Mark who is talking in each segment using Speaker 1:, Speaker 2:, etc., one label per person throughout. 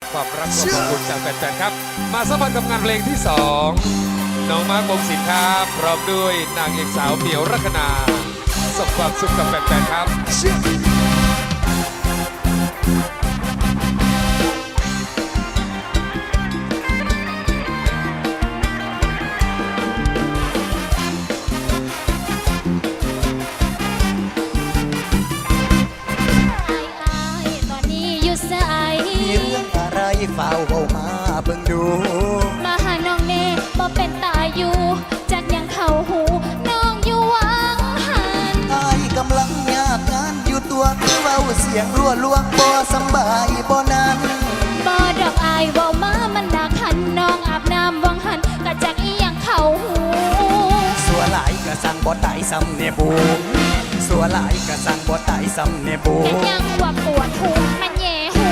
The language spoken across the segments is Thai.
Speaker 1: ความรักความอบอุ่นจากแฟนๆครับมาสัมผัสกับงานเพลงที่2น้องมาร์ควงศิลป์ครับพร้อมด้วยนางเอกสาวเหมียวรัคนาส่งความสุขกับแฟนๆครับ
Speaker 2: เฝ้าเบามาเบิ่งดู
Speaker 3: มาหาน้องเน่บ่เป็นตายอยู่จากยังเข้าหูน้องอยู่วังหัน
Speaker 2: อายกำลังยากงานอยู่ตัวคือเว้าเสียงรั่วลวงบ่สบายบ่นั้น
Speaker 3: บ่ดอกอายเว้ามามันหนักหันน้องอาบน้ำวังหันกะจากอีหยังเข้าหู
Speaker 2: สัวหลายกะสั่งบ่ตายซ้ำเนบูสัวหลายกะสั่งบ่ตายซ้ำเนบู
Speaker 3: ยังว่าปวดหูมันแย่หู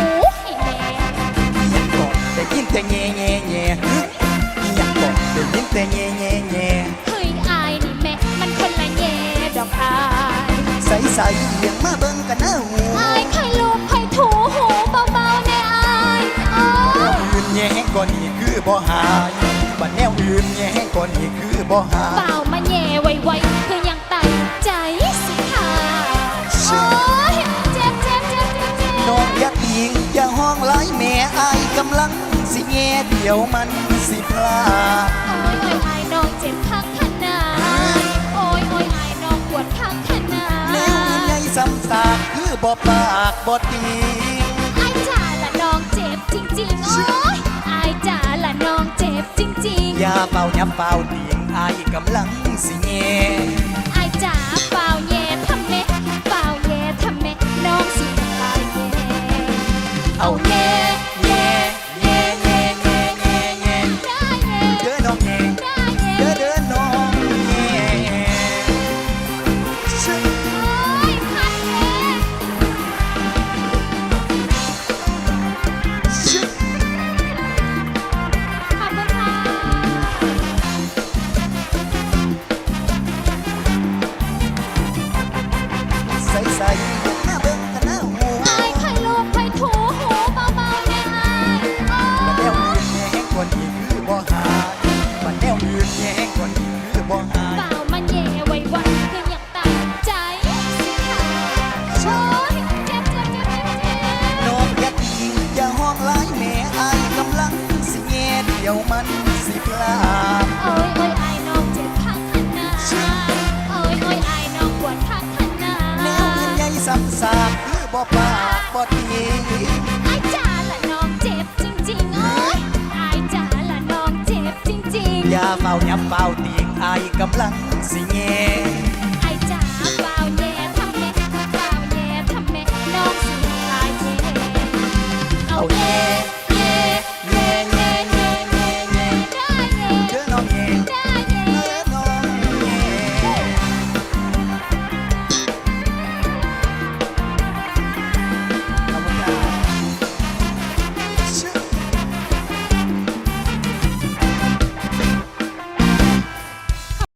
Speaker 2: ได้ยินแต่แง่แง่แง่อยากบอกได้ยินแต่แง่แง่แง่
Speaker 3: เฮ้ยอายนี่แม่มันคนละแง่ดอกอาย
Speaker 2: ใส่ใส่เลี้ยงมาเบิ่งกันนะหู
Speaker 3: อายใครลูบใครถูหูเบาๆในอาย
Speaker 2: แนวอื่นแง่ก่อนนี่คือบ่หายบัดแนวอื่นแง่ก่อนนี่คือบ่หาย
Speaker 3: เปล่ามาแง่ไวๆคือยังตัดใจสิค่ะโอ้ยเจ็บเจ็บเจ็บเจ็บเจ็บ
Speaker 2: น้องอย่าติงอย่าห้องไล่แม่อายกำลังสิแง่เดี๋ยวมันสิพลาด
Speaker 3: โอ้ยโอ้ยอายน้องเจ็บข้างขนาดโอ้ยโอ้ยอายน้องปวดข้างขนาด
Speaker 2: แนวอื่นใหญ่ซ้ำซากคือบ่ปากบ่ติง
Speaker 3: อายจ๋าละน้องเจ็บจริงๆโอ้ยอายจ๋าละน้องเจ็บจริงๆ
Speaker 2: อย่าเป่ายับเป่าติงอายกำลังสิแง่
Speaker 3: อายจ๋าเป่าแย่ทำเม็ดเป่าแย่ทำเม็ดน้องสิเป่าแย่
Speaker 2: เอาแง่แง่แง่แง่แง่แง่แง่เด้อน้องแง่เด้อเด้อน้องแง่ใส่ใส่มาเบิ่งกันนะหู
Speaker 3: อายใครลูบใครถูหูเบาๆในอาย
Speaker 2: บัดแนวอื่นแง่ก่อนนี่คือบ่หายบัดแนวอื่นแง่ก่อนนี่คือบ่หาย
Speaker 3: เปล่ามันแย่ไวๆคืออยากตัดใจสิค่ะโอ้ยเจ็บเจ็บเจ็บเจ็บเจ็บ
Speaker 2: น้องอย่าติงอย่าห้องไล่แม่อายกำลังสิแง่เดี๋ยวมันสิพลาด
Speaker 3: โอ้ยโอ้ยอายน้องเจ็บข้างขนาดโอ้ยโอ้ยอายน้องปวดข้างขนาด
Speaker 2: แนวอื่นใหญ่ซ้ำซากคือบ่ปากบ่ติง
Speaker 3: อายจ๋าละน้องเจ็บจริงๆโอ้ยอายจ๋าละน้องเจ็บจริงๆ
Speaker 2: อย่าเฝ้ายับเฝ้าติงอายกำลังสิแง่